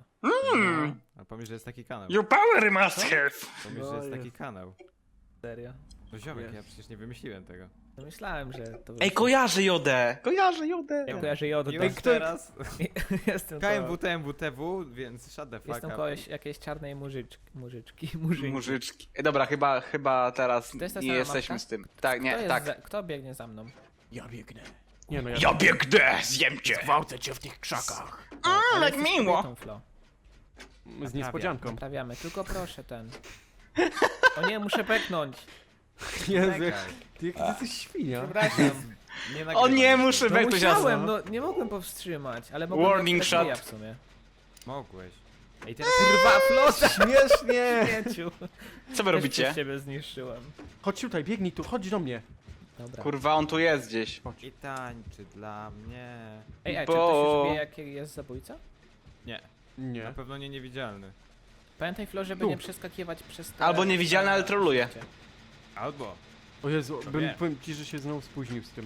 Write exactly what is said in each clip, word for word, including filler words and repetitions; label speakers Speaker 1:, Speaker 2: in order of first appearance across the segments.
Speaker 1: to.
Speaker 2: Mm.
Speaker 3: A pomyśl, że jest taki kanał.
Speaker 2: Your power must have.
Speaker 3: Pomyśl, że jest taki kanał.
Speaker 1: Serio?
Speaker 3: No ziomek,
Speaker 4: Jest.
Speaker 3: ja przecież nie wymyśliłem tego.
Speaker 1: No myślałem, że to...
Speaker 2: Ej, kojarzę Jodę! Kojarzę Jodę!
Speaker 1: Ja kojarzę Jodę.
Speaker 3: I
Speaker 1: tak.
Speaker 3: już teraz
Speaker 1: Jestem
Speaker 3: K M
Speaker 1: to...
Speaker 3: W T M W T W, więc shut the fuck
Speaker 1: Jestem
Speaker 3: up.
Speaker 1: koleś jakiejś czarnej mużyczki. Mużyczki. Murzynki.
Speaker 2: Mużyczki. Ej, dobra, chyba, chyba teraz
Speaker 1: To jest ta
Speaker 2: nie
Speaker 1: sama
Speaker 2: jesteśmy
Speaker 1: mapka?
Speaker 2: z tym. Tak,
Speaker 1: Kto
Speaker 2: nie,
Speaker 1: jest
Speaker 2: tak.
Speaker 1: Za... Kto biegnie za mną?
Speaker 4: Ja biegnę. Nie no, ja...
Speaker 2: Ja biegnę, zjem cię!
Speaker 4: Gwałcę cię w tych krzakach.
Speaker 2: A, jak
Speaker 1: jesteś
Speaker 2: miło!
Speaker 1: kobietą, Flo.
Speaker 4: Z niespodzianką.
Speaker 1: Naprawiamy, tylko proszę ten. O nie, muszę peknąć.
Speaker 4: Jezu,
Speaker 3: Czekaj.
Speaker 4: jak... Ty, jak ty jesteś świnia.
Speaker 1: Przepraszam.
Speaker 3: Nie
Speaker 2: O
Speaker 3: nagrywam
Speaker 2: nie,
Speaker 3: tego.
Speaker 2: muszę
Speaker 1: No
Speaker 2: weknąć
Speaker 1: musiałem,
Speaker 2: jasno.
Speaker 1: no nie mogłem powstrzymać, ale mogłem
Speaker 2: Warning
Speaker 1: jak tak
Speaker 2: shot.
Speaker 1: w sumie.
Speaker 3: Mogłeś. Ej, teraz
Speaker 1: Kurwa, flota!
Speaker 4: Śmiesznie!
Speaker 1: Śmieciu.
Speaker 2: Co wy robicie?
Speaker 1: Ciebie zniszczyłem.
Speaker 4: Chodź tutaj, biegnij tu, chodź do mnie.
Speaker 1: Dobra.
Speaker 2: Kurwa, on tu jest gdzieś.
Speaker 3: i tańczy dla mnie.
Speaker 1: Ej, ej,
Speaker 2: Bo-
Speaker 1: czy ktoś już wie, jaki jest zabójca?
Speaker 3: Nie,
Speaker 4: Nie.
Speaker 3: na pewno nie niewidzialny.
Speaker 1: Pamiętaj, Flo, żeby
Speaker 4: Tu.
Speaker 1: nie przeskakiwać przez te...
Speaker 2: Albo niewidzialny, ale troluje.
Speaker 3: Albo.
Speaker 4: O Jezu,
Speaker 3: To
Speaker 4: bym,
Speaker 3: wiem.
Speaker 4: powiem ci, że się znowu spóźnił z tym.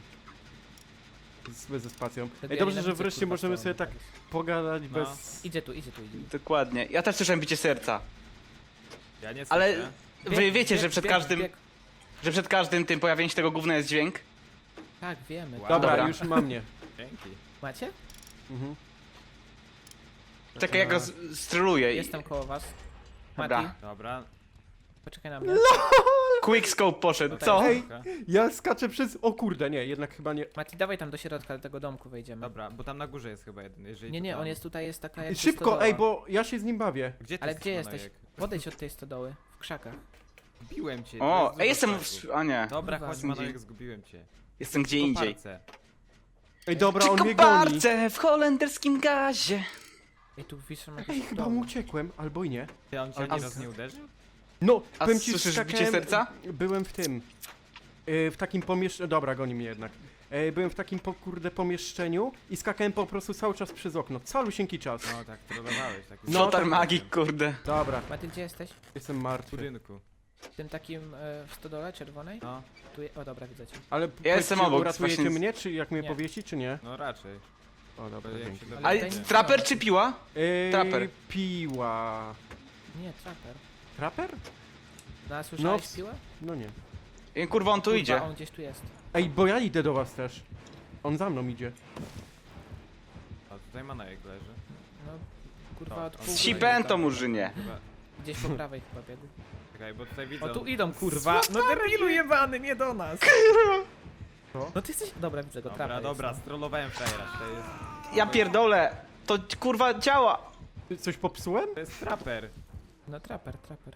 Speaker 4: Z, ze spacją.
Speaker 1: Tego
Speaker 4: Ej,
Speaker 1: ja
Speaker 4: dobrze, że
Speaker 1: nienawidzę,
Speaker 4: wreszcie
Speaker 1: kurwa,
Speaker 4: możemy
Speaker 1: co
Speaker 4: sobie
Speaker 1: on
Speaker 4: tak
Speaker 1: robi.
Speaker 4: pogadać
Speaker 3: No.
Speaker 4: bez...
Speaker 1: Idzie tu, idzie tu, idzie.
Speaker 2: Dokładnie. Ja też słyszałem bicie serca.
Speaker 3: Ja nie
Speaker 2: Ale
Speaker 3: słyszę.
Speaker 2: wy
Speaker 1: Bieg,
Speaker 2: wiecie,
Speaker 1: bieg,
Speaker 2: że przed
Speaker 1: bieg,
Speaker 2: każdym,
Speaker 1: bieg.
Speaker 2: że przed każdym tym pojawieniem się tego gówna jest dźwięk?
Speaker 1: Tak, wiemy.
Speaker 3: Wow.
Speaker 4: Dobra,
Speaker 2: Dobra.
Speaker 4: już mam mnie.
Speaker 3: Dzięki.
Speaker 1: Macie?
Speaker 4: Mhm.
Speaker 2: Czekaj, jak go z- stroluję. i-
Speaker 1: Jestem koło was.
Speaker 2: Dobra.
Speaker 1: Mati,
Speaker 3: Dobra.
Speaker 1: poczekaj na mnie.
Speaker 2: Quick scope poszedł,
Speaker 1: Tutaj
Speaker 2: co?
Speaker 4: Ej.
Speaker 3: Dobra.
Speaker 4: Ja skaczę przez... O kurde, nie, jednak chyba nie...
Speaker 1: Mati, dawaj tam do środka, do tego domku wejdziemy.
Speaker 3: Dobra, bo tam na górze jest chyba jeden. Jeżeli
Speaker 1: Nie,
Speaker 3: to
Speaker 1: nie,
Speaker 3: tam...
Speaker 1: on jest tutaj, jest taka jakby
Speaker 4: Szybko,
Speaker 1: stodoła.
Speaker 4: ej, bo ja się z nim bawię.
Speaker 3: Gdzie ty
Speaker 1: Ale gdzie
Speaker 3: jesteś,
Speaker 1: jesteś?
Speaker 3: Manojek?
Speaker 1: Podejdź od tej stodoły, w krzakach.
Speaker 3: Zgubiłem cię. to
Speaker 2: O,
Speaker 3: jest
Speaker 2: ej, jestem
Speaker 3: dużo
Speaker 2: w...
Speaker 3: czasu.
Speaker 2: A nie.
Speaker 3: Dobra,
Speaker 1: Kurwa.
Speaker 3: chodź Manojek, zgubiłem cię.
Speaker 2: Jestem gdzie indziej.
Speaker 3: Koparce.
Speaker 4: Ej, dobra, on
Speaker 2: Przy
Speaker 4: mnie goni.
Speaker 2: koparce w holenderskim gazie.
Speaker 1: Ej, tu wiszą
Speaker 4: Ej,
Speaker 1: jakieś
Speaker 4: chyba mu uciekłem, albo i nie.
Speaker 3: Ty, on cię
Speaker 4: Ale-
Speaker 3: ani raz nie uderzył?
Speaker 4: No,
Speaker 2: A
Speaker 4: powiem ci,
Speaker 2: słyszysz
Speaker 4: skakałem-
Speaker 2: bicie serca?
Speaker 4: Byłem w tym. Yy, w takim pomieszczeniu. Dobra, goni mnie jednak. Yy, byłem w takim po, kurde pomieszczeniu i skakałem po prostu cały czas przez okno. Calusieńki czas.
Speaker 3: No tak, trollowałeś. Taki
Speaker 4: No,
Speaker 2: Flotar
Speaker 4: tak.
Speaker 2: magik, kurde.
Speaker 4: Dobra,
Speaker 1: Mati, gdzie jesteś?
Speaker 4: jestem
Speaker 3: w
Speaker 4: martwy.
Speaker 3: budynku.
Speaker 1: W tym takim e, w stodole czerwonej?
Speaker 3: No,
Speaker 1: Tu je... O, dobra, widzę cię.
Speaker 4: Ale
Speaker 2: Ja jestem obok,
Speaker 4: uratujecie
Speaker 2: właśnie-
Speaker 4: mnie, czy jak mnie
Speaker 1: Nie.
Speaker 4: powiesi, czy nie?
Speaker 3: no raczej.
Speaker 4: O, dobra,
Speaker 3: Jak
Speaker 4: dzięki.
Speaker 3: się
Speaker 1: Ale
Speaker 2: Ale
Speaker 3: dowiecie.
Speaker 1: tutaj-
Speaker 2: traper czy piła?
Speaker 4: Yy,
Speaker 2: Traper.
Speaker 4: Piła.
Speaker 1: Nie, traper.
Speaker 4: Traper?
Speaker 1: No, a słyszałeś
Speaker 4: No,
Speaker 1: piłę?
Speaker 4: No nie.
Speaker 2: Ej, kurwa, on tu
Speaker 1: Kurwa,
Speaker 2: idzie.
Speaker 1: on gdzieś tu jest.
Speaker 4: Ej, bo ja idę do was też. On za mną idzie.
Speaker 3: A tutaj Manojek leży.
Speaker 1: No, kurwa,
Speaker 3: No,
Speaker 1: od
Speaker 3: on-
Speaker 1: pół
Speaker 2: Z
Speaker 1: godziny
Speaker 2: Cipento,
Speaker 1: tam.
Speaker 2: murzynie.
Speaker 3: Chyba...
Speaker 1: Gdzieś po prawej chyba biegł.
Speaker 3: Czekaj, bo tutaj widzę...
Speaker 1: O, tu
Speaker 3: on-
Speaker 1: idą, kurwa! No debilu jebany, nie do nas!
Speaker 4: Co?
Speaker 1: No ty jesteś... Dobra, widzę go,
Speaker 3: Dobra,
Speaker 1: traper
Speaker 3: dobra,
Speaker 1: jest.
Speaker 3: strollowałem frajera. To jest...
Speaker 2: Ja pierdolę. To kurwa działa.
Speaker 4: Ty Coś popsułem?
Speaker 3: To jest traper.
Speaker 1: No, traper, traper.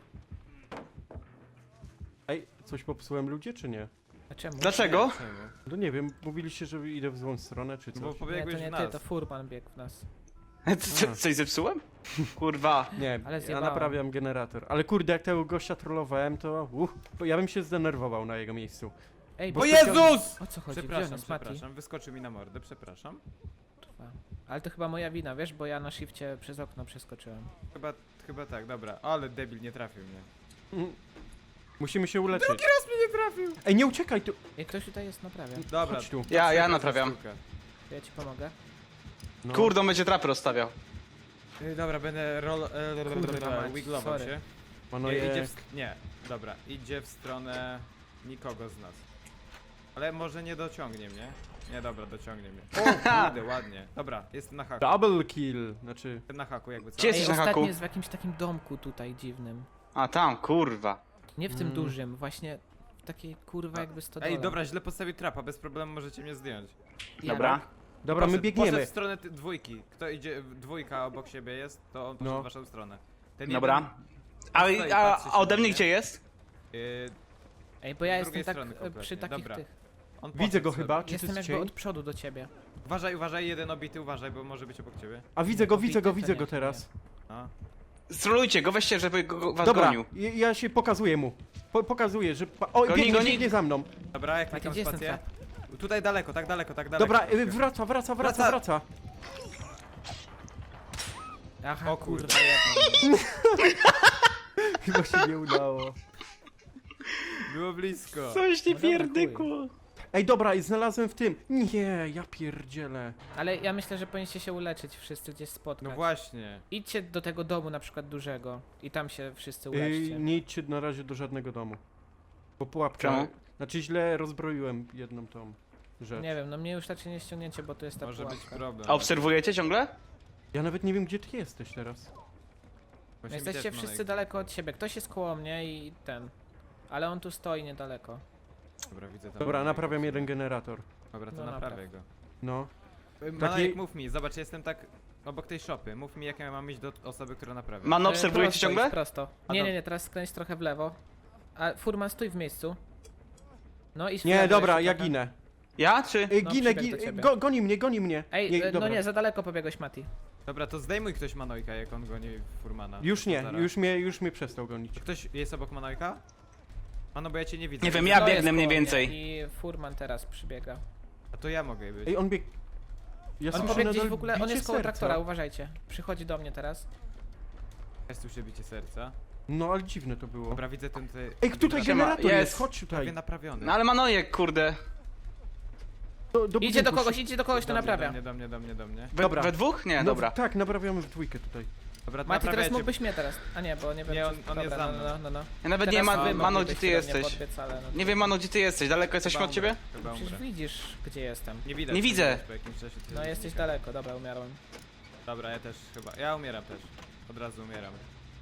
Speaker 4: Ej, coś popsułem ludzie, czy nie?
Speaker 1: A czemu?
Speaker 2: Dlaczego?
Speaker 3: Czemu?
Speaker 4: No nie wiem, mówiliście, że idę w złą stronę, czy
Speaker 3: No bo
Speaker 4: coś.
Speaker 1: Nie,
Speaker 3: pobiegłeś
Speaker 1: to
Speaker 3: w
Speaker 1: nie
Speaker 3: nas.
Speaker 1: ty, to furman biegł w nas.
Speaker 2: Co, co, coś zepsułem? Kurwa.
Speaker 4: Nie,
Speaker 1: Ale
Speaker 4: ja
Speaker 1: zjebałem.
Speaker 4: naprawiam generator. Ale kurde, jak tego gościa trollowałem, to uff, bo ja bym się zdenerwował na jego miejscu.
Speaker 1: Ej,
Speaker 4: Bo
Speaker 1: bo
Speaker 3: O
Speaker 4: specjalnie-
Speaker 3: Jezus!
Speaker 1: o co chodzi? Gdzie on
Speaker 3: Przepraszam,
Speaker 1: jest, Mati?
Speaker 3: przepraszam, wyskoczył mi na mordę, przepraszam.
Speaker 1: Kurwa. Ale to chyba moja wina, wiesz, bo ja na shifcie przez okno przeskoczyłem.
Speaker 3: Chyba, chyba tak, dobra. Ale debil nie trafił mnie.
Speaker 4: Mm. Musimy się uleczyć.
Speaker 3: Raz mnie nie trafił!
Speaker 4: Ej, nie uciekaj tu!
Speaker 1: Ej, ktoś tutaj jest, naprawia.
Speaker 3: Dobra.
Speaker 4: Chodź tu.
Speaker 2: Ja, ja
Speaker 3: Sztuka,
Speaker 2: naprawiam.
Speaker 3: sztuka.
Speaker 1: To ja ci pomogę.
Speaker 4: No.
Speaker 2: Kurde, on będzie traper rozstawiał.
Speaker 3: Y, Dobra, będę roll...
Speaker 1: Kurwa mać,
Speaker 3: wiglował
Speaker 1: sorry.
Speaker 3: się.
Speaker 4: Ono
Speaker 3: Nie, idzie
Speaker 4: jest...
Speaker 3: w... nie, dobra, idzie w stronę nikogo z nas. Ale może nie dociągnie mnie. Nie, dobra, dociągnie mnie. O, kurde, ładnie. Dobra, jest na haku.
Speaker 4: Double kill! Znaczy...
Speaker 3: Jestem na haku jakby co.
Speaker 2: Gdzie jesteś
Speaker 1: Ej,
Speaker 2: na haku?
Speaker 1: ostatni jest w jakimś takim domku tutaj dziwnym.
Speaker 2: A tam, kurwa.
Speaker 1: Nie w tym
Speaker 4: Mm.
Speaker 1: dużym, właśnie w takiej kurwa jakby stodole.
Speaker 3: Ej, dobra, źle postawił trapa, bez problemu możecie mnie zdjąć.
Speaker 1: Ja-
Speaker 2: Dobra.
Speaker 4: Dobra, my
Speaker 3: Poszedł-
Speaker 4: biegniemy.
Speaker 3: Poszedł w stronę ty- dwójki. Kto idzie, dwójka obok siebie jest, to on poszedł
Speaker 4: No.
Speaker 3: w waszą stronę. Ten
Speaker 2: Dobra. A,
Speaker 3: Stoi,
Speaker 2: a,
Speaker 3: patrzy się
Speaker 2: a ode
Speaker 3: na
Speaker 2: mnie
Speaker 3: mnie.
Speaker 2: gdzie jest?
Speaker 3: Jeden, yy,
Speaker 1: Ej, bo ja
Speaker 3: z
Speaker 1: jestem
Speaker 3: drugiej
Speaker 1: tak
Speaker 3: strony
Speaker 1: e,
Speaker 3: kompletnie,
Speaker 1: przy takich
Speaker 3: dobra.
Speaker 1: tych.
Speaker 3: on
Speaker 4: Widzę
Speaker 3: poszedł
Speaker 4: go
Speaker 3: sobie.
Speaker 4: chyba, czy to
Speaker 1: Jestem
Speaker 4: jest
Speaker 1: jakby
Speaker 4: cień?
Speaker 1: od przodu do ciebie.
Speaker 3: Uważaj, uważaj, jeden obity, uważaj, bo może być obok ciebie.
Speaker 4: A widzę go, widzę go,
Speaker 1: Obity to
Speaker 4: widzę
Speaker 1: nie,
Speaker 4: go
Speaker 1: to
Speaker 4: teraz.
Speaker 3: No.
Speaker 2: Strolujcie go, weźcie, żeby go, go was
Speaker 4: Dobra,
Speaker 2: gonił.
Speaker 4: ja ja się pokazuję mu. Po, pokazuję, że... Pa... O,
Speaker 2: Goni,
Speaker 4: biegnie,
Speaker 2: goni.
Speaker 4: biegnie za mną.
Speaker 3: Dobra, jak
Speaker 1: Mati,
Speaker 3: klikam
Speaker 1: gdzie jest ten
Speaker 3: spację.
Speaker 1: trap?
Speaker 3: Tutaj daleko, tak daleko, tak daleko.
Speaker 4: Dobra, y, wraca, wraca, wraca,
Speaker 3: Wraca.
Speaker 4: wraca.
Speaker 1: Aha,
Speaker 3: O kurwa.
Speaker 1: kurwa, jedno.
Speaker 4: Chyba się nie udało.
Speaker 3: Było blisko.
Speaker 2: Coś
Speaker 1: nie pierdykło.
Speaker 4: Ej, dobra, i znalazłem w tym. Nie, ja pierdzielę.
Speaker 1: Ale ja myślę, że powinniście się uleczyć wszyscy gdzieś spotkać.
Speaker 3: No właśnie.
Speaker 1: Idźcie do tego domu na przykład dużego i tam się wszyscy
Speaker 4: Ej,
Speaker 1: uleczcie.
Speaker 4: nie idźcie na razie do żadnego domu. Bo pułapka...
Speaker 2: Czemu?
Speaker 4: Znaczy źle rozbroiłem jedną tą rzecz.
Speaker 1: Nie wiem, no mnie już raczej nie ściągnięcie, bo to jest ta
Speaker 3: Może być
Speaker 1: pułapka.
Speaker 3: problem.
Speaker 2: A obserwujecie ciągle?
Speaker 4: Ja nawet nie wiem, gdzie ty jesteś teraz.
Speaker 3: Właśnie mi
Speaker 1: Jesteście
Speaker 3: też
Speaker 1: wszyscy
Speaker 3: Manojek-
Speaker 1: daleko od siebie. Ktoś jest koło mnie i ten. Ale on tu stoi niedaleko.
Speaker 3: Dobra, widzę tam.
Speaker 4: Dobra,
Speaker 3: Manojka.
Speaker 4: naprawiam jeden generator.
Speaker 3: Dobra, to
Speaker 1: No,
Speaker 3: naprawię
Speaker 1: napraw.
Speaker 3: go.
Speaker 4: No.
Speaker 3: Manojek, mów mi, zobacz, jestem tak obok tej szopy. Mów mi, jak ja mam iść do osoby, która naprawia.
Speaker 2: Mano,
Speaker 1: E,
Speaker 2: obserwujecie
Speaker 1: prosto
Speaker 2: ciągle?
Speaker 1: idź, prosto.
Speaker 3: A
Speaker 1: Nie,
Speaker 3: to-
Speaker 1: nie, nie, teraz skręć trochę w lewo. A Furman, stój w miejscu. No i
Speaker 4: Nie, dobra, ja ginę.
Speaker 2: Ja czy?
Speaker 4: Ej,
Speaker 1: No,
Speaker 4: ginę,
Speaker 1: przybiegł do
Speaker 4: ginę.
Speaker 1: ciebie.
Speaker 4: Go, goni mnie, goni mnie.
Speaker 1: Ej,
Speaker 4: Nie,
Speaker 1: e, no
Speaker 4: dobra.
Speaker 1: nie, za daleko pobiegłeś, Mati.
Speaker 3: Dobra, to zdejmuj ktoś Manojka, jak on goni Furmana.
Speaker 4: Już nie,
Speaker 3: Zaraz.
Speaker 4: już mnie, już mnie przestał gonić.
Speaker 3: Czy ktoś jest obok Manojka? Mano, bo ja cię nie widzę.
Speaker 2: Nie wiem, ja
Speaker 1: To jest
Speaker 2: biegnę mniej
Speaker 1: koło mnie
Speaker 2: więcej.
Speaker 1: I Furman teraz przybiega.
Speaker 3: A to ja mogę być.
Speaker 4: Ej, on bieg... Ja
Speaker 1: On
Speaker 4: słyszę
Speaker 1: pobiegł gdzieś
Speaker 4: nadal
Speaker 1: w ogóle, on
Speaker 4: bicie
Speaker 1: jest koło
Speaker 4: serca.
Speaker 1: traktora, uważajcie. Przychodzi do mnie teraz.
Speaker 3: Ja słyszę bicie serca.
Speaker 4: No, ale dziwne to było.
Speaker 3: Dobra, widzę ten tutaj...
Speaker 4: Ej, tutaj
Speaker 2: Siema,
Speaker 4: generator
Speaker 2: jest.
Speaker 4: jest, chodź
Speaker 3: Prawie
Speaker 4: tutaj.
Speaker 3: naprawiony.
Speaker 2: No ale Manojek, kurde.
Speaker 4: Do, do
Speaker 1: Idzie do
Speaker 4: budynku
Speaker 1: kogoś,
Speaker 4: szy-
Speaker 1: idzie do kogoś, to
Speaker 3: Do mnie,
Speaker 1: naprawia.
Speaker 3: Do mnie, do mnie, do mnie, do mnie.
Speaker 2: We,
Speaker 4: Dobra.
Speaker 2: we dwóch? Nie,
Speaker 4: No,
Speaker 2: dobra.
Speaker 4: Tak, naprawiamy w dwójkę tutaj.
Speaker 3: Dobra,
Speaker 1: Mati, teraz
Speaker 3: naprawiacie.
Speaker 1: mógłbyś mnie teraz. A nie, bo nie wiem,
Speaker 3: Nie,
Speaker 1: czy...
Speaker 3: on- on
Speaker 1: Dobra,
Speaker 3: jest za
Speaker 1: no,
Speaker 3: mną.
Speaker 1: no, no, no.
Speaker 2: Ja nawet
Speaker 1: Teraz
Speaker 2: nie ma,
Speaker 1: wy
Speaker 2: Mano,
Speaker 1: moglibyście
Speaker 2: gdzie ty
Speaker 1: do mnie
Speaker 2: jesteś?
Speaker 1: podbiec, ale no to-
Speaker 2: Nie wiem, Mano, gdzie ty jesteś? Daleko jesteśmy
Speaker 3: Chyba
Speaker 2: od ciebie?
Speaker 3: umrę, Chyba
Speaker 1: Przecież
Speaker 3: umrę.
Speaker 1: widzisz, gdzie jestem.
Speaker 3: Nie widać.
Speaker 2: Nie widzę.
Speaker 3: Po jakimś czasie to
Speaker 1: No
Speaker 3: jest
Speaker 1: jesteś
Speaker 3: znika.
Speaker 1: daleko, dobra, umiarłem.
Speaker 3: Dobra, ja też chyba. Ja umieram też. Od razu umieram.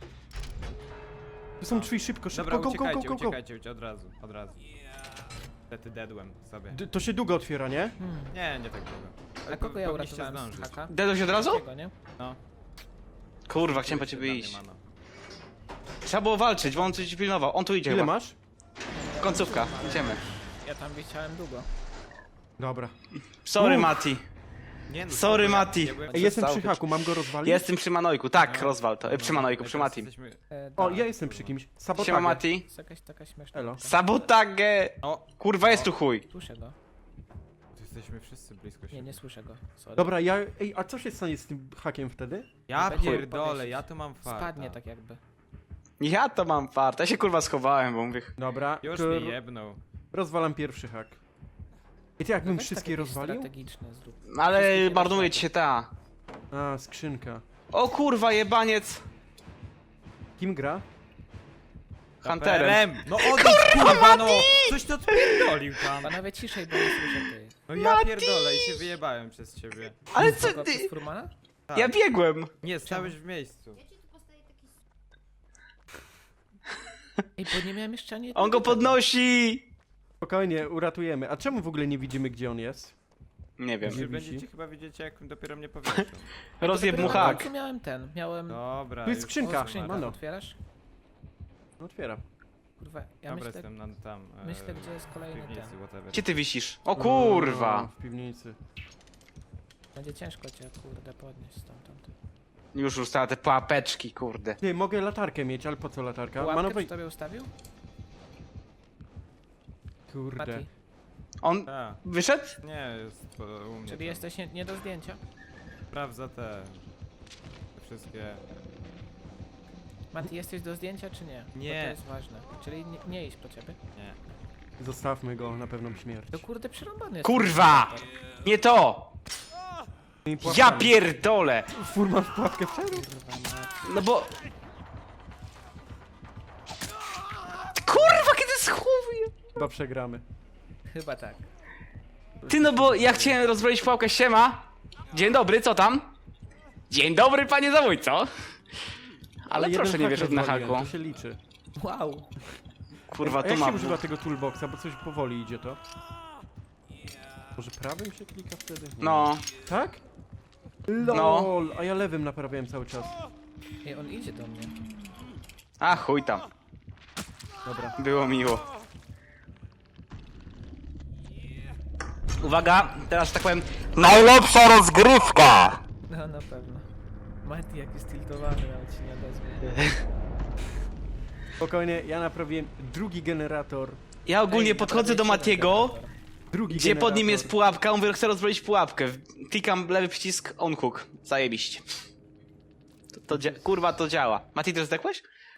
Speaker 4: Tu są drzwi, szybko, szybko,
Speaker 3: Dobra,
Speaker 4: go, go, go,
Speaker 3: uciekajcie,
Speaker 4: go, go.
Speaker 3: uciekajcie, uciekajcie, od razu, od razu. Wtedy dedłem sobie.
Speaker 4: D- To się długo otwiera, nie?
Speaker 1: Hmm.
Speaker 3: Nie, nie tak długo.
Speaker 1: A kogo ja
Speaker 3: powinniście
Speaker 1: uratowałem z
Speaker 3: zdążyć.
Speaker 1: haka?
Speaker 2: Dedłeś od razu?
Speaker 1: Takiego, nie?
Speaker 3: No.
Speaker 2: Kurwa, chciałem po
Speaker 3: Czuję się
Speaker 2: ciebie
Speaker 3: dla
Speaker 2: iść.
Speaker 3: mnie, Mano.
Speaker 2: Trzeba było walczyć, bo on coś pilnował. On tu idzie
Speaker 4: Ile
Speaker 2: chyba.
Speaker 4: masz?
Speaker 2: Końcówka, idziemy.
Speaker 1: Ja tam wisiałem długo.
Speaker 4: Dobra.
Speaker 2: Sorry,
Speaker 4: Uff.
Speaker 2: Mati.
Speaker 3: Nie, no,
Speaker 2: Sorry,
Speaker 3: ja-
Speaker 2: Mati.
Speaker 3: ja byłem-
Speaker 4: Ej, jestem
Speaker 2: Przestał
Speaker 4: przy
Speaker 2: być.
Speaker 4: haku, mam go rozwalić?
Speaker 2: Jestem przy Manojku, tak,
Speaker 3: No.
Speaker 2: rozwal to. E, przy Manojku,
Speaker 3: My
Speaker 2: przy
Speaker 3: teraz
Speaker 2: Matim.
Speaker 3: jesteśmy-
Speaker 1: E,
Speaker 4: O,
Speaker 1: dobra.
Speaker 4: ja jestem przy kimś. Sabotage.
Speaker 2: Siema, Mati.
Speaker 1: Jest jakaś taka śmieszna.
Speaker 4: Elo.
Speaker 1: babka.
Speaker 2: Sabotage!
Speaker 3: O,
Speaker 2: Kurwa, jest tu chuj.
Speaker 1: Słyszę go.
Speaker 3: tu jesteśmy wszyscy blisko siebie.
Speaker 1: Nie, nie słyszę go. Sorry.
Speaker 4: Dobra, ja... Ej, a co się stanie z tym hakiem wtedy?
Speaker 3: Ja
Speaker 1: Będzie
Speaker 3: pierdolę,
Speaker 1: powiesić.
Speaker 3: ja tu mam farta.
Speaker 1: Spadnie tak jakby.
Speaker 2: Ja to mam fart. Ja się kurwa schowałem, bo mówię.
Speaker 4: Dobra,
Speaker 3: Już
Speaker 4: to
Speaker 3: mi jebnął.
Speaker 4: rozwalam pierwszy hak. I ty jakbym
Speaker 1: Weź
Speaker 4: wszystkie
Speaker 1: tak jakieś
Speaker 4: rozwalił?
Speaker 1: strategiczne zrób.
Speaker 2: Ale
Speaker 1: Wszystkie
Speaker 2: marnuje
Speaker 1: nie
Speaker 2: ci się ta.
Speaker 4: A, skrzynka.
Speaker 2: O kurwa, jebaniec.
Speaker 4: Kim gra?
Speaker 2: Hunterem.
Speaker 3: No odejdź, kurwa, no! Coś to odpierdolił tam.
Speaker 1: Panowie ciszej, bo nie słyszę ty.
Speaker 3: No ja pierdolę i się wyjebałem przez ciebie.
Speaker 2: Ale co
Speaker 1: Kogo,
Speaker 2: ty?
Speaker 1: przez Furmana?
Speaker 3: Tak.
Speaker 2: Ja biegłem.
Speaker 3: Nie, stałeś w miejscu.
Speaker 1: Ej, bo nie miałem jeszcze ani
Speaker 2: On go
Speaker 1: jednego.
Speaker 2: podnosi.
Speaker 4: Spokojnie, uratujemy. A czemu w ogóle nie widzimy, gdzie on jest?
Speaker 2: Nie wiem.
Speaker 4: Nie
Speaker 3: Wy
Speaker 4: wisi.
Speaker 3: będziecie chyba widzicie, jak dopiero mnie powieszą.
Speaker 2: Rozjeb mu
Speaker 1: Dopiero na
Speaker 2: hak.
Speaker 1: końcu miałem ten, miałem...
Speaker 3: Dobra.
Speaker 4: Tu jest
Speaker 3: już
Speaker 4: skrzynka.
Speaker 1: O, skrzynkę
Speaker 4: Mano.
Speaker 1: otwierasz?
Speaker 4: No, otwieram.
Speaker 1: Kurwa, ja
Speaker 3: Dobra,
Speaker 1: myślę,
Speaker 3: jestem na, tam. e,
Speaker 1: myślę, gdzie jest
Speaker 3: w
Speaker 1: kolejny
Speaker 3: piwnicy,
Speaker 1: ten.
Speaker 3: whatever.
Speaker 2: Gdzie ty wisisz? O
Speaker 4: O,
Speaker 2: kurwa.
Speaker 4: w piwnicy.
Speaker 1: Będzie ciężko cię, kurde, podnieść stamtąd.
Speaker 2: Już ustała te pułapeczki, kurde.
Speaker 4: Ty, mogę latarkę mieć, ale po co latarka?
Speaker 1: Łapkę
Speaker 4: Manowej...
Speaker 1: przy tobie ustawił?
Speaker 4: Kurde.
Speaker 1: Mati,
Speaker 2: On
Speaker 3: Tak.
Speaker 2: wyszedł?
Speaker 3: Nie, jest po, u mnie.
Speaker 1: czyli
Speaker 3: tam.
Speaker 1: jesteś nie, nie do zdjęcia?
Speaker 3: Sprawdza te... te wszystkie...
Speaker 1: Mati, jesteś do zdjęcia czy nie? Bo
Speaker 3: Nie.
Speaker 1: to jest ważne. Czyli nie, nie iść po ciebie.
Speaker 3: Nie.
Speaker 4: Zostawmy go na pewną śmierć.
Speaker 1: To kurde przerąbany jest.
Speaker 2: Kurwa! Nie to!
Speaker 4: I
Speaker 2: Ja
Speaker 4: pułapkami.
Speaker 2: pierdolę!
Speaker 4: Furman w pułapkę wszedł?
Speaker 1: Kurwa, Mati.
Speaker 2: No bo... Kurwa, kiedy schowuję!
Speaker 4: Chyba przegramy.
Speaker 1: Chyba tak.
Speaker 2: Ty, no bo ja chciałem rozbroić pułapkę, siema. Dzień dobry, co tam? Dzień dobry, panie zabójco. Ale
Speaker 4: jeden
Speaker 2: proszę nie
Speaker 4: hak
Speaker 2: wierzyć na
Speaker 4: rozwaliłem,
Speaker 2: haku.
Speaker 4: To się liczy.
Speaker 1: Wow.
Speaker 2: Kurwa,
Speaker 4: A
Speaker 2: tu
Speaker 4: jak się
Speaker 2: mam.
Speaker 4: używa tego toolboxa, bo coś powoli idzie to? Może prawym się klika wtedy? Nie.
Speaker 2: No,
Speaker 4: Tak? LOL, a ja lewym naprawiałem cały czas.
Speaker 1: Ej, on idzie do mnie.
Speaker 2: a chuj tam.
Speaker 4: Dobra.
Speaker 2: Było miło. Uwaga, teraz że tak powiem. Najlepsza rozgrywka!
Speaker 1: No na pewno. Mati jaki stiltowany, nawet się nie odezwie.
Speaker 4: Spokojnie, ja naprawiłem drugi generator.
Speaker 2: Ja ogólnie
Speaker 1: Ej,
Speaker 2: podchodzę do
Speaker 1: naprawię jeden
Speaker 2: Matiego,
Speaker 1: generator.
Speaker 4: Drugi
Speaker 2: gdzie pod nim
Speaker 4: generator.
Speaker 2: jest pułapka, on mówi, chce rozbroić pułapkę. Klikam lewy przycisk, on hook. Zajebiście. To, to dzia- kurwa, to działa. Mati, też zdechłeś?